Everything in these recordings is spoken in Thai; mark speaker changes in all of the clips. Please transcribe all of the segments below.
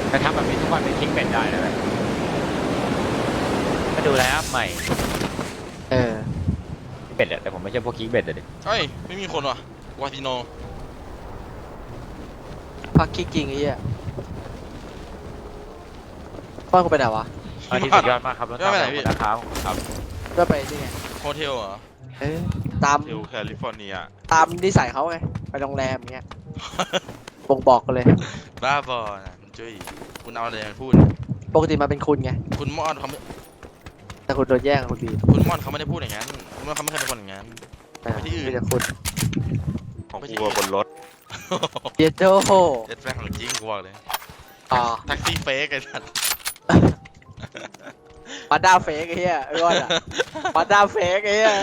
Speaker 1: แต่ทำแบบนี้ทุกวันเป็นคลิกเบ็ดได้นะเลยมาดูแล้วใหม่เบ็ดอะแต่ผมไม่ใช่พวกคลิกเบ็ดเลย
Speaker 2: เฮ้ยไม่มีคนว่ะวาติโน
Speaker 3: พักคิกจริงไอ้เหี้ยป้อนกูไปไหนวะ
Speaker 1: อันนี้สุดยอดมากครับแล้วตามไปนะครับครับ
Speaker 3: ก็ไปนี่ไง
Speaker 2: โฮเทลเหรอ
Speaker 3: ตาม
Speaker 4: เทลแคลิฟอร์เนีย
Speaker 3: ตามนิสัยเขาไงไปโรงแรมอย่างเงี้ยบ่งบอกกันเลย
Speaker 2: บ้าบอนะคุณจุ้ยคุณเอาอะไรมาพูด
Speaker 3: ปกติมาเป็นคุณไง
Speaker 2: คุณมอดเขาไม่
Speaker 3: แต่คุณโดนแย่งกับคุณบี
Speaker 2: คุณมอดเขาไม่ได้พูดอย่างนั้นคุณมอดเขาไม่เคยเป็นคนอย่างนั้น ไปที่อื่น
Speaker 3: มีแต่คุณ
Speaker 4: ของกูบนรถ
Speaker 3: เยโด
Speaker 2: เจ็ดแฟนของจริงกูบอกเลย
Speaker 3: อ๋อ
Speaker 2: แท็กซี่เฟกไอ้สัส
Speaker 3: มาด้าเฟกไอ้เหี้ยไอ้ก้อนอะมาด้าเฟกไอ้เหี้ย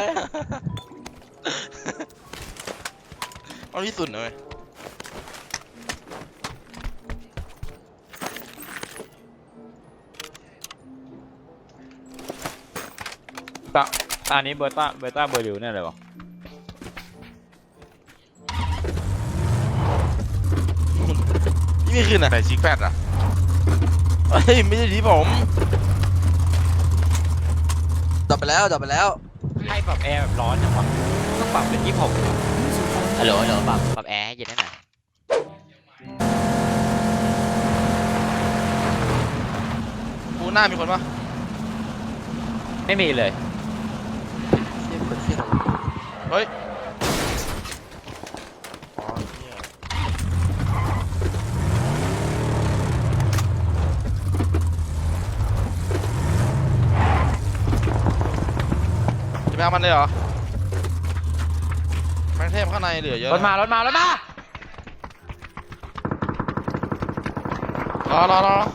Speaker 2: เอาที่สุดเลย
Speaker 1: อันนี้เบอร์ต้าเบอร์ดิวเนี่ยเลยวะ
Speaker 2: นี่ไม่คืนอ่ะ
Speaker 4: ไหนซิกแพดอ่ะ
Speaker 2: เฮ้ยไม่ใช่ที่ผม
Speaker 3: จบไปแล้วจบไปแล้ว
Speaker 1: ให้ปรับแอร์แบบร้อนจังวะต้องปรับเป็น26ฮัลโหลปรับแอร์ให้เย็นได้หน่อย
Speaker 2: กูหน้ามีคนปะ
Speaker 1: ไม่มีเลย
Speaker 2: เฮ้ยอ๋อเนี่ยจะไปเอามันเลยเหรอแมงเทพข้างในเหลือเยอะ
Speaker 1: รถมารถมารถมา
Speaker 2: รอ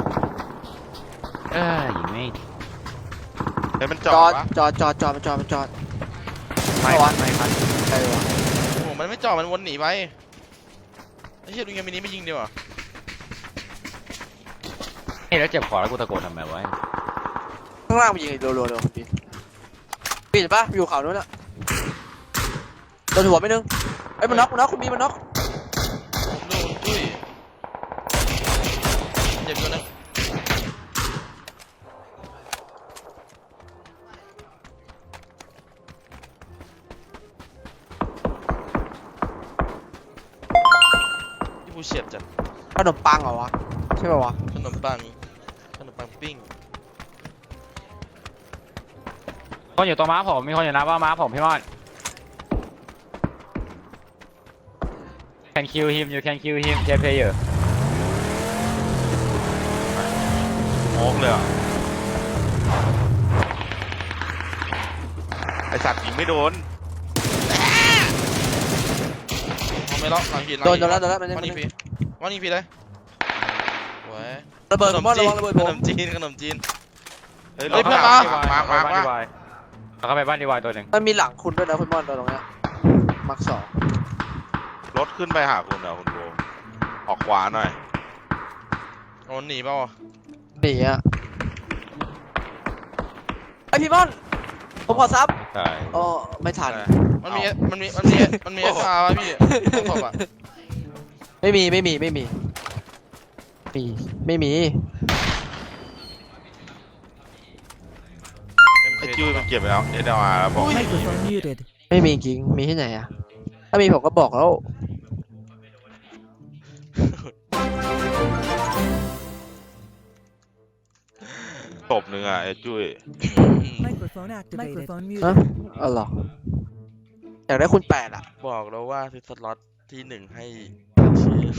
Speaker 1: ยิงไม่
Speaker 4: เฮ้ยมันจ
Speaker 3: จ
Speaker 4: อ
Speaker 3: อ
Speaker 4: ด
Speaker 3: ด
Speaker 4: วะ
Speaker 3: จอดจอดจอดจอดจอด
Speaker 1: ไม่พัน
Speaker 3: ใครวะ
Speaker 2: โอ้โหมันไม่จอดมันวนหนีไปไอ้เชี่ยดูยังมินิไม่ยิงดีกว่า
Speaker 1: เฮ้ยแล้วเจ็บคอแล้วกูตะโกนทำไมวะ
Speaker 3: ข้างล่างมันยิงรัวๆเลยคุณบีปีนปะอยู่เขาโน้นอะโดนหัวไปนึงไอ้ยมันน็อกคุณบีมันน็อก
Speaker 2: ดูจุ้ยเจ็บตัวนึงที่ผู้เฉียดจัด
Speaker 3: ขนมปังเหรอวะใช่ป่าวะ
Speaker 2: ขนมปังปิ้ง
Speaker 1: คนอยู่ตรงม้าผมมีคนอยู่นะว่าม้าผมพี่มอน can kill him you can kill him J player
Speaker 4: โมกเลยอ่ะไอสัตว์ยิงไม่โดน
Speaker 2: เอาไม่ล็อกหลังหิน
Speaker 3: โดนแล้วมัน
Speaker 2: วันนี้ฟรีวันนี้ฟรีเลยโว้ย
Speaker 3: ระเบิดผมว่าระวังระเบิดผ
Speaker 2: ข
Speaker 3: ม
Speaker 2: นมจีนขนมจีน
Speaker 4: เฮ้ย
Speaker 2: เฮ้ยเพื่อนมา
Speaker 1: เราเข้าไปบ้านดีวายตัวหนึ่ง
Speaker 3: มันมีหลังคุณด้วยนะคุณมอนตรงเนี้ยมักสอง
Speaker 4: รถขึ้นไปหาคุณเหรอคุณโบออกขวาหน่อย
Speaker 2: โอ้หนีเปล่าวะ
Speaker 3: หนีอะไอพี่มอนผมขอซับ
Speaker 1: ใช่
Speaker 3: อ๋อไม่ทัน
Speaker 2: มันมีเอสอาร์ป่ะพี่ต้องตบอ่ะ
Speaker 3: ไม่มี
Speaker 4: MK ไอจิ้วมันเก็บไปแล้วเอเดอาร์แล้วบอก
Speaker 5: Microphone muted.
Speaker 3: ไม่มีจริงมีที่ไหนอะถ้ามีผมก็บอกแล้ว
Speaker 4: ตบหนึ่งอ่ะไอจุ้ย
Speaker 5: Microphone activated. Microphone
Speaker 3: ฮะ
Speaker 5: muted.
Speaker 3: อ๋อเหรออยากได้คุณ8อะ
Speaker 2: บอกแล้วว่าซื้อสล็อตที่1ให้ชื่อ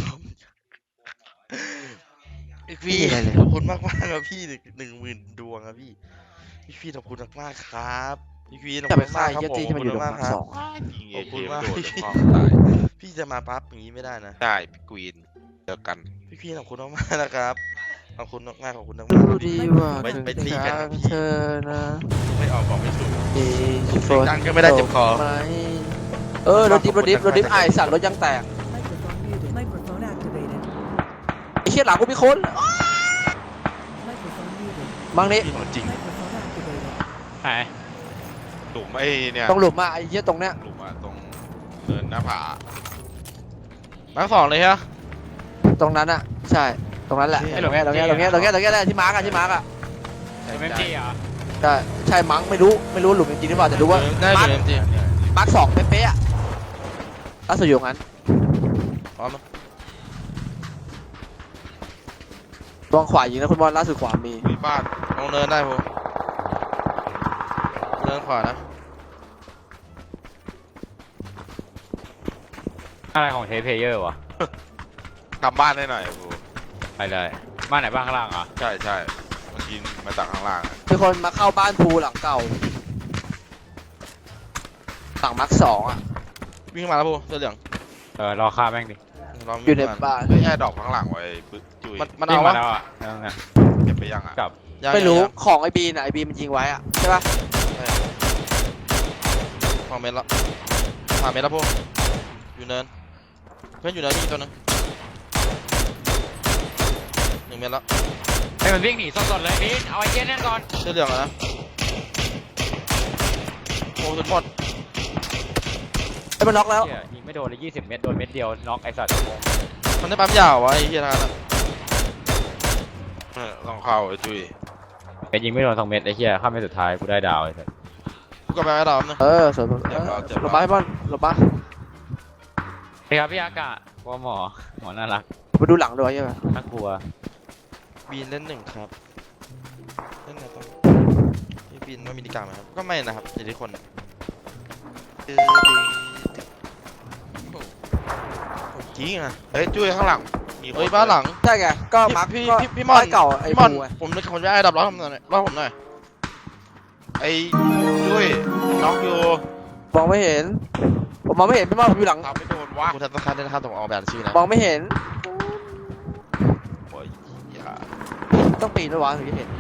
Speaker 2: พี่ขอบคุณมากครับพี่10,000 ดวงครับพี่ขอบคุณมากครับพี่ขอบ
Speaker 3: จะ
Speaker 2: คุ
Speaker 3: ไป
Speaker 2: ณ
Speaker 3: ฆ่าม
Speaker 2: ากครับ
Speaker 3: เหี้ย
Speaker 2: ผม
Speaker 3: ตี
Speaker 2: ขอบ
Speaker 3: ที่มัน
Speaker 2: คุ
Speaker 3: อยู่
Speaker 2: ณ
Speaker 3: ตรง
Speaker 2: มาก
Speaker 3: มัก
Speaker 2: ครั
Speaker 3: ส
Speaker 2: บ
Speaker 3: อง
Speaker 4: ยิงเอ
Speaker 2: ขอบ
Speaker 4: เค
Speaker 2: คุณ
Speaker 4: ไม่
Speaker 2: มาก
Speaker 4: โดน
Speaker 2: พี่
Speaker 4: ท้องตาย
Speaker 2: พี่จะมาปั๊บอย่างนี้ไม่ได้นะ
Speaker 4: ได้กวีนเจอกัน
Speaker 2: พี่ขอบคุณมากๆนะครับขอบคุณมากๆขอบคุณมาก
Speaker 3: ดู
Speaker 2: ๆ
Speaker 3: ดีว่า
Speaker 2: ไป
Speaker 3: ถึง
Speaker 2: ตีกัน
Speaker 3: ทา
Speaker 2: นะ
Speaker 3: ง
Speaker 2: พี่
Speaker 3: เธอนะ
Speaker 2: ไม่ออกบอกไม่ถูก
Speaker 3: ดี
Speaker 2: เสียงดังก็ไม่ได้เจ็บคอ
Speaker 3: ไหมรถดิฟไอสัตว์รถยังแตก
Speaker 5: Microphone muted. Microphone activated.
Speaker 3: ไอ้เชี่ยหลังกูมีคน
Speaker 5: Microphone muted.
Speaker 3: บางนี้
Speaker 2: พี่ของจริง
Speaker 5: Microphone activated.
Speaker 1: ไหน
Speaker 4: หลุมไอ้เนี่ย
Speaker 3: ตรงหลุมอะไอ้เชี่ยตรงเนี้ย
Speaker 4: หลุมอ่ะตรงเนินหน้าผา
Speaker 2: มาร์ค 2เลยฮะ
Speaker 3: ตรงนั้นอะใช่ตรงนั้นแหละตรงเนี้ยที่มาร์กอะที่มาร์กอะ
Speaker 1: ไม่ดีเหรอ
Speaker 3: ใช่มั้งไม่รู้หลุมจริงหรือเปล่าแต่รู้ว่า
Speaker 2: ได้อยู่ในที
Speaker 3: มาร์กสองเป๊ะๆอะล่าสุดอยู่ตรงนั้น
Speaker 2: พร้อมนะ
Speaker 3: ตรงขวายิงนะคุณบอลล่าสุดขวามี
Speaker 4: มีบ้าน
Speaker 2: ลงเนินได้ผมเนินขวานะ
Speaker 1: อะไรของเทปเพลเยอร์วะ
Speaker 4: กลับบ้านได้หน่อยกู
Speaker 1: ไปเลยบ้านไหนบ้านข้างล่างอ่ะ
Speaker 4: ใช่ใช่มันยิงมาจากข้างล่างอะ
Speaker 3: มีคนมาเข้าบ้านภูหลังเก่าหลังมาร์กสองอะ
Speaker 2: วิ่งมาแล้วพูเสื้อเหลือง
Speaker 1: รอฆ่าแม่งดิ
Speaker 2: รอ
Speaker 3: อยู่ใน
Speaker 2: วิ่งมา
Speaker 3: บ้าน
Speaker 4: เฮ้ยแอร์ดรอปข้างหลังไว้ปึ๊กจุย
Speaker 2: มัน
Speaker 1: วิ่
Speaker 2: เอา
Speaker 1: งมาว
Speaker 2: ะ
Speaker 1: แล้วอ่ะนั่นไง
Speaker 4: เก็บไปยังอ่ะ
Speaker 1: กลับ
Speaker 2: ยัง
Speaker 3: ไม่รู้
Speaker 2: ยัง
Speaker 3: ของไอ้บีนอะไอ้บีนมันยิงไว้อะใช่ปะ
Speaker 2: สองเมตรแล้ว3 เมตรแล้วพูอยู่เนินเพื่อนอยู่เนินมีตัวนึง1 เมตรแล้ว
Speaker 1: ให้มันวิ่งหนีสดๆเลยพี่เอาไอ้เจ๊นั่นก่อน
Speaker 2: เสื้อเหลืองอะนะโอ้สุดหมด
Speaker 3: ไอ้มันน็อกแล้ว
Speaker 1: เหี้ยยิงไม่โดนเลย20 เมตรโดนเม็ดเดียวน็อกไอ้สัตว์
Speaker 2: มันได้ปั๊มยาววะไอ้เฮียนะ
Speaker 4: ต้องเข้าไอ้จุย
Speaker 1: เป็นยิงไม่โดน2 เม็ดไอ้เหี้ยข้ามเม็ดสุดท้ายกูได้ดาวไอ้สัตว์
Speaker 2: กูกลับไปไอ้ดาวนะ
Speaker 3: สวยหลบบ้าให้บอลหลบบ้า
Speaker 1: พี่ครับพี่อากาศว่าหมอน่ารัก
Speaker 3: ไปดูหลังด้วยใช่ปะ
Speaker 1: น่ากลัว
Speaker 2: บีนเล่น1ครับเล่นไหนต้องพี่บีนว่ามีดีกลางไหมครับก็ไม่นะครับอยู่ที่คนจริงอ่ะ
Speaker 4: เฮ้ยจุยข้างหลังมีค
Speaker 2: เฮ้ยบ้านหลัง
Speaker 3: ใช่ไงก็มาร์ก
Speaker 2: พี่มอน
Speaker 3: เก่าไอ้
Speaker 2: พี่มอน
Speaker 3: ภูไง
Speaker 2: ผมนึกคนจะไอ้ดับร้อยผมหน่อยร้อยผมหน่อย
Speaker 4: ไอ้จุยน็อกอยู่
Speaker 3: มองไม่เห็นผมมองไม่เห็นพี่มอนผมอยู่หลัง
Speaker 4: ทำไม่โดนวะ
Speaker 2: กูทัศนคติได้นะครับผมเอาแบบชื่อนะ
Speaker 3: มองไม่เห็น
Speaker 4: โอ้ยอย่า
Speaker 3: ต้องปีนด้วยวะถึงจะเห็น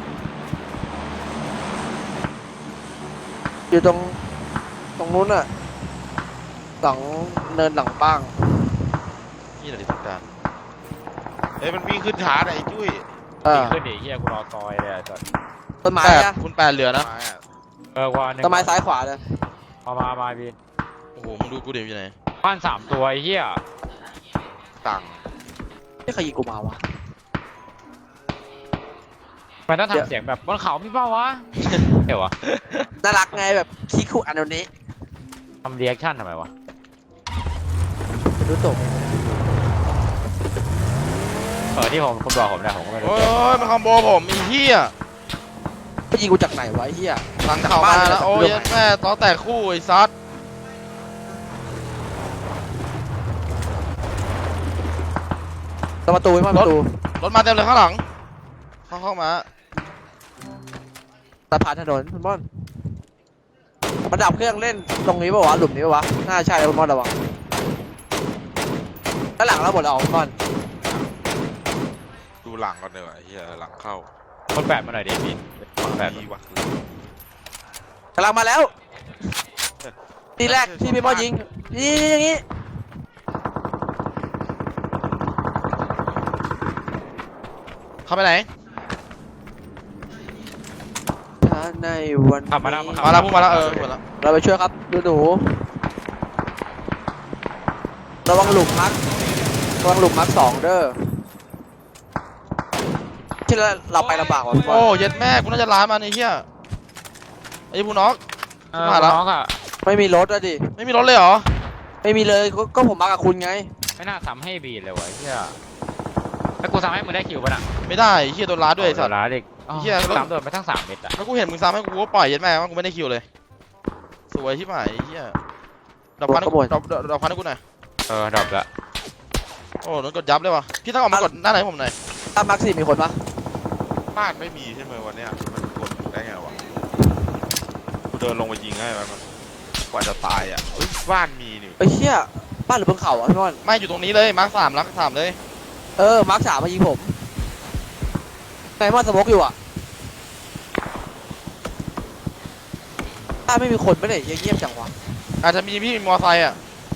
Speaker 3: อยู่ตรงนู้นอะหลังเนินหลังบ้าง
Speaker 2: นี่แหละที่ต้องการ
Speaker 4: เฮ้ยมันวิ่งขึ้นชาร์จไอ้จุ้ย
Speaker 1: ขึ้นดิเหี้ยกูรอซอยเลยไอ้สัตว์
Speaker 3: ต้นไม้
Speaker 2: แปด
Speaker 3: อะ
Speaker 2: คุณแปดเหลือนะ
Speaker 4: ไม้อะ
Speaker 1: กว่าหนึ่ง
Speaker 3: ต้นไม้ซ้ายขวาเลย
Speaker 1: เอามาพี่
Speaker 2: โอ้โหมึงดูกูเดี๋ยวอยู่ไหน
Speaker 1: บ้าน3 ตัวไอ้เหี้ย
Speaker 4: ตังค์
Speaker 3: ไม่ใครยิงกูมาวะ
Speaker 1: มันต้องทำเสียงแบบบนเขาพี่เป้าวะเดี๋ยววะ
Speaker 3: น่ารักไงแบบคิคุอันนี้
Speaker 1: ทำเรีแอคชั่นทำไมวะ
Speaker 3: รู้ตก
Speaker 1: ที่ผมคุณบอกผมนะผมก็ไม่รู้
Speaker 2: โอ้ยมันคอมโบผมอีเหี้ย
Speaker 3: ไม่ยิงกูจากไหนวะไอ้เหี้ย
Speaker 2: หลังเข่ามาแล้วโอ้ยแม่ต้อแตกคู่ไอ้ซัด
Speaker 3: ประตูไว้มาประตู
Speaker 2: รถมาเต็มเลยข้างหลังเข้ามา
Speaker 3: สะพานถนนคุณบอลมันดับเครื่องเล่นตรงนี้ป่าวะหลุมนี้ป่าวะน่าใช่คุณบอลระวังด้านหลังเราหมดแล้วคุณบอล
Speaker 4: ดูหลังก่อนเลยว่ะไอ้เฮียหลังเข้า
Speaker 1: คนแปดมาหน่อยดิพี่คนแปด
Speaker 4: ดีวะ
Speaker 3: กำลังมาแล้วทีแรกที่พี่บอลยิงนี่อย่างงี้
Speaker 2: เข้าไปไหน
Speaker 3: ถ้าในวันนี้
Speaker 2: มาแล้วพูดมาแล้วพูดมาแล้ว
Speaker 3: เราไปช่วยครับดูหนูระวังหลุมพักสองเด้อที่เราไปลำบากว่ะพี่บอ
Speaker 2: โอ้
Speaker 3: ล
Speaker 2: เย็ดแม่กูน่าจะล้ามันไอ้เหี้ยไอ้ผู้น็อก
Speaker 1: มาแล้วน้องอ่ะ
Speaker 3: ไม่มีรถอะดิ
Speaker 2: ไม่มีรถเลยเหรอ
Speaker 3: ไม่มีเลยก็ผมมากับคุณไง
Speaker 1: ไม่น่าซ้ำให้บีเลยวะเหี้ยแล้วกูซ้ำให้มึงได้คิวป่ะน่ะ
Speaker 2: ไม่ได้ไอ้เหี้ยโดนล้าด้วยไอ้สัตว์
Speaker 1: ร้าเด็ก
Speaker 2: เหี้ย
Speaker 1: ซ้ำโดนไปทั้ง3 เม็ดอ่ะ
Speaker 2: แล้วกูเห็นมึงซ้ำให้กูก็ปล่อยเย็ดแม่ว่ากูไม่ได้คิวเลยสวยที่หมายไอ้เหี้ยดอกพันให้กูดอกพันให้กูหน่อย
Speaker 1: ดรอปละ
Speaker 2: โอ้โดนกดยับเลยวะพี่ต้องออกมากดหน้าไหนให้ผมหน่อย
Speaker 3: ตามมาร์คสี่มีคนปะ
Speaker 4: บ้านไม่มีใช่ไหมวันเนี้ยมันกดได้ไงวะกูเดินลงไปยิงให้มันกว่าจะตายอ่ะเฮ้ยบ้านมีนี่
Speaker 3: ไอ้เหี้ยบ้านหรือบนเขาอะพี่บอล
Speaker 2: ไม่อยู่ตรงนี้เลยมาร์ค3รัก3เลย
Speaker 3: มาร์คสามมายิงผมไนมอนสโมกอยู่อะถ้าไม่มีคนไม่ได้เงียบจังวะ
Speaker 2: อาจจะมีพี่มอไซค์อ่ะ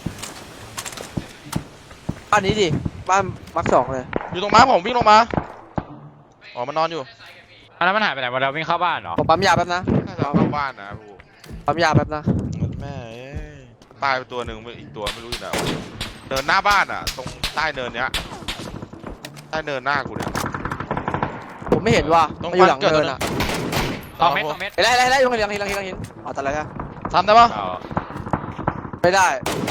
Speaker 3: บ้านนี้ดิบ้านมาร์คสองเลย
Speaker 2: อยู่ตรงม้าผมวิ่งลงมาอ๋อมันนอนอยู่
Speaker 1: แล้วมันหายไปไหนมาเราวิ่งเข้าบ้านเหรอ
Speaker 3: ผมปั๊มยาแป๊บนะ
Speaker 4: น่าจะเข้าบ้านนะพู
Speaker 3: ปั๊มยาแป๊บนะ
Speaker 2: แม่เอ้ย
Speaker 4: ตายไปตัวหนึ่งอีกตัวไม่รู้อยู่ไหนวะเดินหน้าบ้านอ่ะ ตรงใต้เนินเนี้ยใต้เนินหน้ากูเนี่ย
Speaker 3: ผมไม่เห็นว่ะ
Speaker 2: ตรง
Speaker 3: มันอยู่หลัง
Speaker 2: บ้านเกิด
Speaker 3: เนิน
Speaker 2: แล้วนะ
Speaker 3: อ่ะ
Speaker 1: 2 เมตร 2 เมตร
Speaker 3: เห็นแล้วยังเห็นอ๋อแต่อะไรฮะ
Speaker 2: ทำได้ปะ
Speaker 1: เอา
Speaker 3: ไม่ได้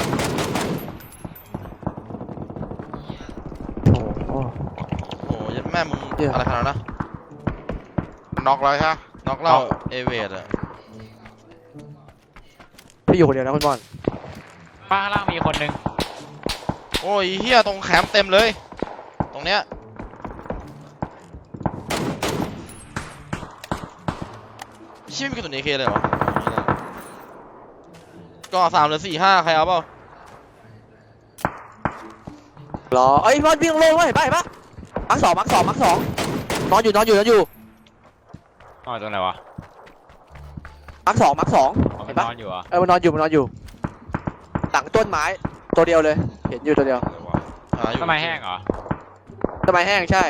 Speaker 3: โอ้
Speaker 2: โอ้ยแม่มึง
Speaker 3: เดี๋ยว
Speaker 2: อะไรขนาดนั้นนะ
Speaker 4: น็อกแล้วใช่ไหม
Speaker 2: น็อกเหล่าเอเวดอะ
Speaker 3: พี่อยู่คนเดียวนะคุณบอล
Speaker 1: ป้าข้างล่างมีคนนึง
Speaker 2: โอ้ยเฮียตรงแคมป์เต็มเลย ตรงเนี้ยชิบมีกระสุน AK เลยเหรอก็3 หรือ 4 5ใครเอาเปล่า
Speaker 3: รอเอ้ยบอลวิ่งลงเลยเห็นปะมาร์คสองนอนอยู่
Speaker 1: อ๋อตรงไหนวะ
Speaker 3: มาร์คสอง
Speaker 1: อ๋อมั
Speaker 3: เห็
Speaker 1: น
Speaker 3: นปะ
Speaker 1: นอนอยู่เหรอ่ะ
Speaker 3: มันนอนอยู่หลังต้นไม้ตัวเดียวเลยเห็นอยู่ตัวเดียว
Speaker 4: เลยวะ
Speaker 2: หาอยู่
Speaker 1: ทำไมแห้งเหรอ
Speaker 3: ต้นไม้แห้งใช่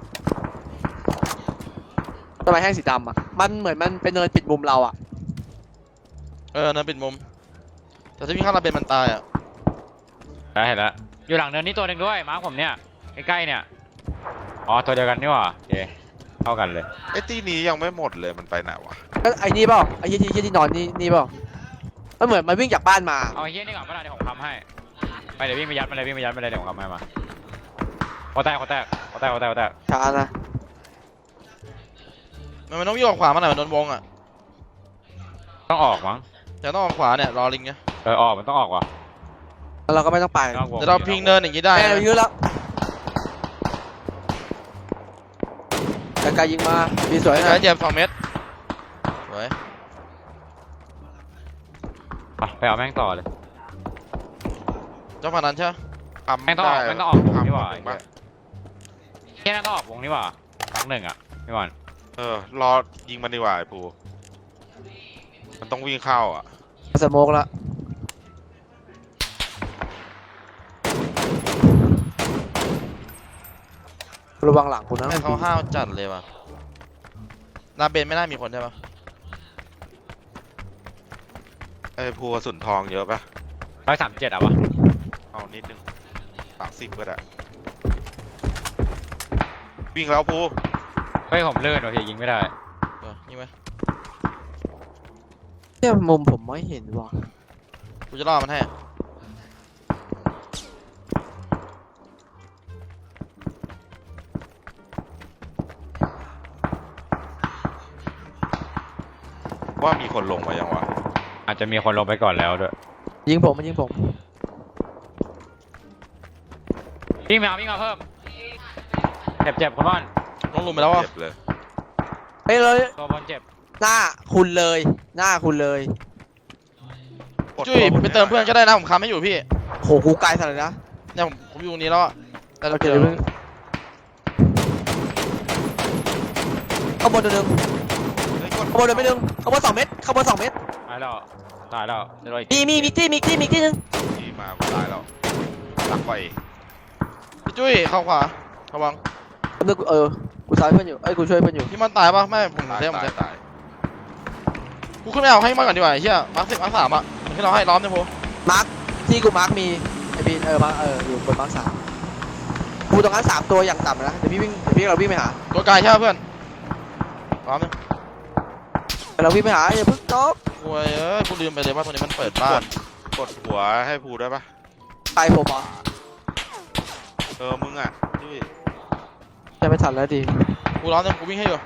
Speaker 3: ต้นไม้แห้งสีดำอ่ะมันเหมือนมันเป็นเนินปิดมุมเราอ่ะ
Speaker 2: นั่นปิดมุม แต่ถ้าวิ่งข้างระเบียงมันตายอ่ะ
Speaker 1: ได้เห็นแล้วอยู่หลังเนินนี่ตัวหนึ่งด้วยมาร์คผมเนี่ยใกล้ๆเนี่ยอ๋อตัวเดียวกันนี่หว่าโอเคเท่ากันเลย
Speaker 4: ไอ้ตีนี้ยังไม่หมดเลยมันไปไหนวะ
Speaker 3: ก็ไอ้นี่เปล่าไอ้ที่นอนนี่เปล่ามันเหมือนมันวิ่งจากบ้านมา
Speaker 1: เอาไอ้เหี้ยนี่ก่อนเมื่อไหร่เดี๋ยวผมทำให้ไปเดี๋ยววิ่งไปยัดมาเลยเดี๋ยวผมทำให้มาขอแตก
Speaker 3: ช้านะ
Speaker 2: มันต้องวิ่งออกขวามาหน่อยมันโดนวงอ่ะ
Speaker 1: ต้องออกมั้ง
Speaker 2: แต่ต้องออกขวาเนี่ยรอลิงไง
Speaker 1: ออกมันต้องออกว่ะ
Speaker 3: แล้วเราก็ไม่ต้องไป
Speaker 1: นอกวง
Speaker 2: เดี๋ยวเราพิงเนินอย่างนี้ได้
Speaker 3: แม่
Speaker 2: นะ
Speaker 3: เรายื้อแล้วแต่กายยิงมาดีสวย
Speaker 2: ใช้
Speaker 3: นะ
Speaker 2: เหยียบ2 เมตรสวย
Speaker 1: ไปเอาแม่งต่อเลย
Speaker 2: เจ้าพนันใช่ไหม
Speaker 1: แม่งต้องออกวงนี่หว่า
Speaker 4: ทำปะ
Speaker 1: แค่นั้นต้องออกวงนี่หว่าครั้งหนึ่งอ่ะพี่บอล
Speaker 4: รอยิงมันดีกว่าไอ้ภูมันต้องวิ่งเข้าอ่ะ
Speaker 3: สโมกแล้วระวังหลังคุณนะ
Speaker 2: ให้เขาห้าวจัดเลยว่ะนาเบนไม่น่ามีคนใช่ปะ
Speaker 4: ไอ้ภูกระสุนทองเยอะปะ
Speaker 1: 137อ่ะวะ
Speaker 4: เอานิดนึง30ก็ได้วิ่งแล้วภู
Speaker 1: เฮ้ยผมเลื่อนว่ะพี่ยิงไม่ได้
Speaker 2: ยิงไหม
Speaker 3: เนี่ยมุมผมไม่เห็นว่ะ
Speaker 2: กูจะล่อมันให้
Speaker 4: ว่ามีคนลงมายังวะ
Speaker 1: อาจจะมีคนลงไปก่อนแล้วด้วย
Speaker 3: ยิงผมมันยิงผม
Speaker 1: วิ่งมาเพิ่มเจ็บคุณบอล
Speaker 2: น้องลุมไปแล้วอ่ะ
Speaker 4: เจ็บเลย
Speaker 3: เฮ้ยเลย
Speaker 1: ตัวบอลเจ็บ
Speaker 3: หน้าคุณเลย
Speaker 2: จุ้ยไปเติมเพื่อนก็ได้นะผมค้ำไม่อยู่พี่
Speaker 3: โหกูไกลสัตว์เลยนะ
Speaker 2: เนี่ยผมอยู่ตรงนี้แล้วอะแต่เรา
Speaker 3: โอเค
Speaker 2: เจอ
Speaker 3: เดี๋ยวมึงข้างบนตัวหนึง
Speaker 4: เฮ้ยกด
Speaker 3: ข้างบนตัวไม่นึงข้างบน2 เมตรข้างบน2 เมตร
Speaker 1: ตายแล้วเดี๋ยวรออีก
Speaker 3: มีอีกที่นึง
Speaker 4: ดีมากูตายแล้วตักไป
Speaker 2: พี่จุ้ยเข้าขวาระวัง
Speaker 3: แป๊บนึงกูซ้ายเพื่อนอยู่กูช่วยเพื่อนอยู่
Speaker 2: พี่มันตายปะไม่ผม
Speaker 4: ตาย
Speaker 2: เซฟผม
Speaker 4: ตา
Speaker 2: เซ
Speaker 4: ย
Speaker 2: ฟ
Speaker 4: ตาย
Speaker 2: กูขึ้นไปเอาให้มันก่อนดีกว่าไอ้เหี้ยมาร์ค10 มาร์ค3อะขึ้นเราให้ล้อมเนี่ยโพ
Speaker 3: มาร์คที่กูมาร์คมีไอ้บีนมาอยู่บนมาร์ค3กูตรงนั้น3 ตัวอย่างต่ำนะเดี๋ยวเราวิ่งไปหา
Speaker 2: ตัวไกลใช่ปะเพื่อนล้อมเนี่ย
Speaker 3: เราวิ่งไปหาอย่าเพิ่งจ๊อก
Speaker 2: โอ้ยกูลืมไปเลยว่าตัวนี้มันเปิดบ้าน
Speaker 4: กดหัวให้ภูได้ปะ
Speaker 3: ไปผมเหรอ
Speaker 4: มึงอ่ะจุ้ย
Speaker 3: จะไม่ทันแล้วดิ
Speaker 2: กูล้อมเนี่ยกูวิ่งให้อยู่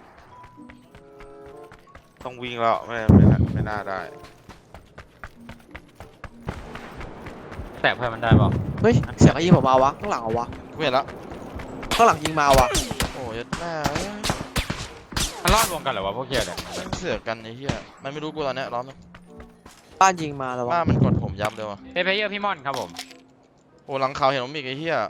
Speaker 4: ต้องวิ่งแล้วไม่น่าได้
Speaker 1: แตะเพื่อนมันได้เปล่า
Speaker 3: เฮ้ยเสียงยิงผมมาวะข้างหลังเอาวะ
Speaker 2: กูเห็นแล้ว
Speaker 3: ข้างหลังยิงมาวะ
Speaker 2: โอ้ยแม่
Speaker 1: มันรอดวงกันเหรอวะพวกเกียร์เนี่ย
Speaker 2: มันเสือกกันไอ้เหี้ยมันไม่รู้กูตอนเนี้ยล้อมเนี่ย
Speaker 3: บ้านยิงมาแล้ววะ
Speaker 2: บ้านมันกดผมยับเลยว่ะ
Speaker 1: เพย์เยอร์พี่ม่อนครับผม
Speaker 2: โอ้หลังเขาเห็นผมอีกไอ้เหี้ย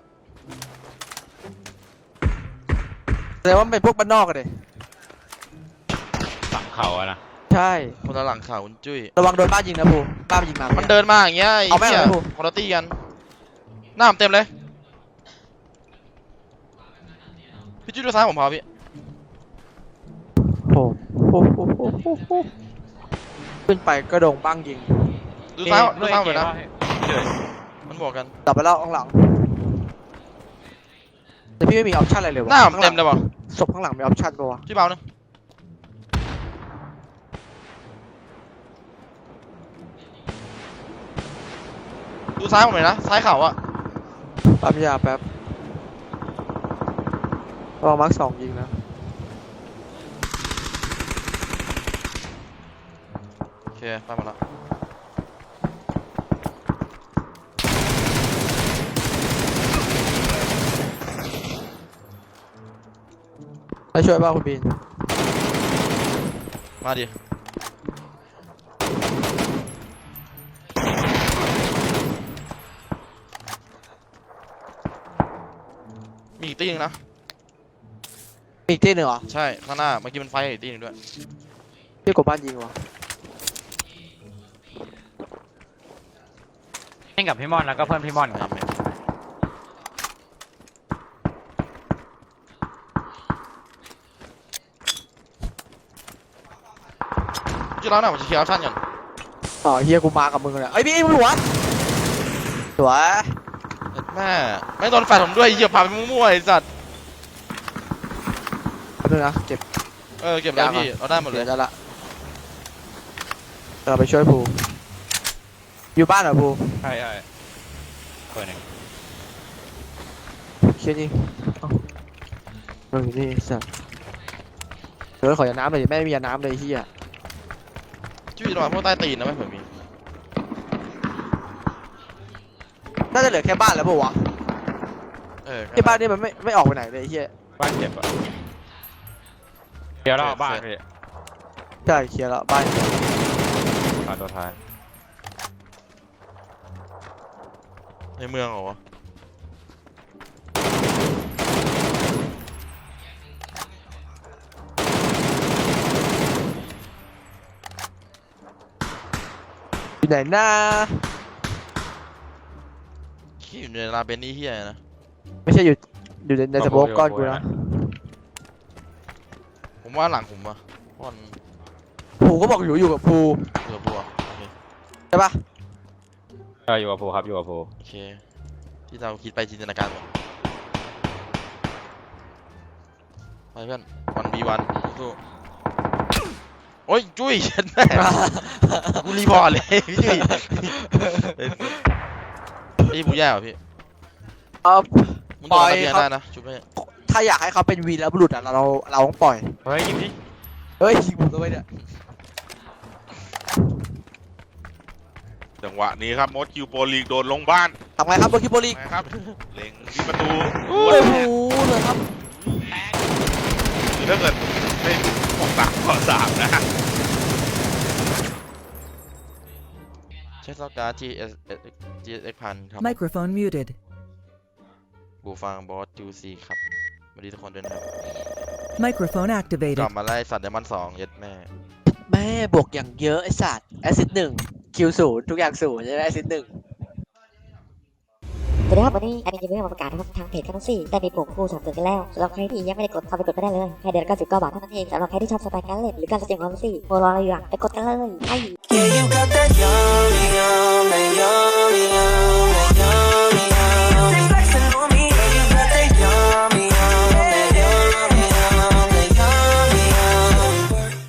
Speaker 3: แสดงว่ามันเป็นพวกบ้านนอกกันเลย
Speaker 1: ฝั่งเขาอะนะ
Speaker 3: ใช่
Speaker 2: คนละหลังเขาคุณจุ้ย
Speaker 3: ระวังโดนบ้านยิงนะภูบ้านมันยิงมา
Speaker 2: มั
Speaker 3: มัน
Speaker 2: เดินมาอย่างเงี้ยไอ้
Speaker 3: เอาแม่ง
Speaker 2: เหี้ย
Speaker 3: เลยกู
Speaker 2: คนละตี้กันหน้าผมเต็มเลยพี่จุ้ยดูซ้ายผมพอพี่
Speaker 3: โอ้ขึ้นไปก็โดงบ้างยิง
Speaker 2: ดูซ้าย
Speaker 1: เ
Speaker 2: ดูซ้ายผม
Speaker 1: เอ
Speaker 2: เลยนะ
Speaker 1: เอเอ
Speaker 2: มันบอกกัน
Speaker 3: ดับไปแล้วข้างหลังแต่พี่ไม่มีออปชั่นอะไรเลยวะ
Speaker 2: หน้าผมเต็มเลยว่ะ
Speaker 3: ศพข้างหลังมีออปชั่นปะวะ
Speaker 2: พี่เบาหนึ่งดูซ้ายผมหน่อยนะซ้ายเข่าอะ
Speaker 3: ปั๊มยาแป๊บระวังมาร์คสองยิงนะ
Speaker 2: โอเคไปหมดละ
Speaker 3: ให้ช่วยบ้างคุณบีน
Speaker 2: มาดิมีอีกตีหนึงนะ
Speaker 3: มีอีกที่หนึ่งเหรอ
Speaker 2: ใช่ข้างหน้าเมื่อกี้มันไฟอีกตีหนึงด้วย
Speaker 3: พี่กบบ้านยิงวะ
Speaker 1: เล่นกับพี่มอนแล้วก็เพื่อนพี่มอนครับ
Speaker 2: ชื่อร้านหน่อยผมจะเคลียร์ออปชั่นก่อน
Speaker 3: อ๋อเฮียกูมากับมึงเลยไอ้ยพี่มึงหัวสวย
Speaker 2: แม่ไม่โดนแฟนผมด้วยเหยียบผ่านไปมั่วๆไอ้สัตว์
Speaker 3: แป๊บนึงนะเก็บ
Speaker 2: เก็บแล้วพี่เอาได้หมดเลย
Speaker 3: ดี๋วจะละเราไปช่วยภูอยู่บ้านเหรอภู
Speaker 1: ใช่ใช่เปิดหนึ่ง
Speaker 3: เชี่ยนี่เอ้ามึงอยู่นี่สัสเดี๋ยวขอยาน้ำเลยดิแม่ไม่มียาน้ำเลยเฮีย
Speaker 2: ชื่อระหว่างพวกใต้ตีนนะไม่เผื่อมี
Speaker 3: น่าจะเหลือแค่บ้านแล้วปะวะที่บ้านนี่มันไม่ออกไปไหนเลยไอ้เฮีย
Speaker 1: บ้านเจ็บอ่ะเดี๋ยวเราเอาบ้านพี่
Speaker 3: ใช่เคลียร์แล้วบ้าน
Speaker 1: บ้านตัวท้าย
Speaker 2: ในเมืองเหรอวะ
Speaker 3: อยู่ไหนหน้า
Speaker 2: ขี้อยู่ในลาเบนนี่เฮียนะ
Speaker 3: ไม่ใช่อยู่ในสโมกก้อนกูนะ
Speaker 2: ผมว่าหลังผมอะพอน
Speaker 3: ภูก็บอกอยู่กับภู
Speaker 2: เผื่อบัวโอเค
Speaker 3: ใช่ปะ
Speaker 1: อยู่กับภูครับอยู่กับภู
Speaker 2: โอเคที่เราคิดไปจินตนาการหมดไปเพื่อน1v1สู้ๆโอ้ยจุ้ยฉันแม่กูรีพอร์ตเลยพี่จุ้ยพี่บูแย่เหรอพี่
Speaker 3: เอา
Speaker 2: มึงโดนระเบียงได้นะชุบไม่
Speaker 3: ถ้าอยากให้เขาเป็นวีรบุรุษอ่ะเราต้องปล่อย
Speaker 1: เฮ้ยยิงดิ
Speaker 3: เฮ้ยยิงผมด้วยเนี่ย
Speaker 4: จังหวะนี้ครับมดคิวโปรลีกโดนลงบ้าน
Speaker 3: ทำไงครับเบอร์คิโบลี
Speaker 4: นะครับเล็งที่ประตู
Speaker 3: โอ้โหเลยครับ
Speaker 4: คือถ้าเกิดไม่6-3-3นะ
Speaker 2: ใช้ซอกการ์ด GSX พันครับ
Speaker 5: Microphone muted.
Speaker 2: บูฟังบอสจูซีครับสวัสดีทุกคนด้วยนะครับ
Speaker 5: Microphone
Speaker 2: กลั
Speaker 5: activated.
Speaker 2: บมาไล่สัตว์เดมอน2เย็ดแม่
Speaker 3: แม่บวกอย่างเยอะไอ้สัตว์แอซิด1คิว0ทุกอย่าง0ใช่ไหมแอซิด1
Speaker 6: สวัสดีครับวันนี้แอดมินจะมีมาประกาศนะครับทางเพจคาโนซี่ได้มีปุ่มคู่สนับสนุนกันแล้วสำหรับใครที่ยังไม่ได้กดเข้าไปกดไปได้เลยแค่เดือนละ99 บาทเท่านั้นเองสำหรับใครที่ชอบสไตล์การเล่นหรือการแสดงความรู้สึกโมรออะไรอยู่อ่ะไปกดกันเลยไอ้
Speaker 7: Yeah, you got that yummy, yummy, yummy, yummy.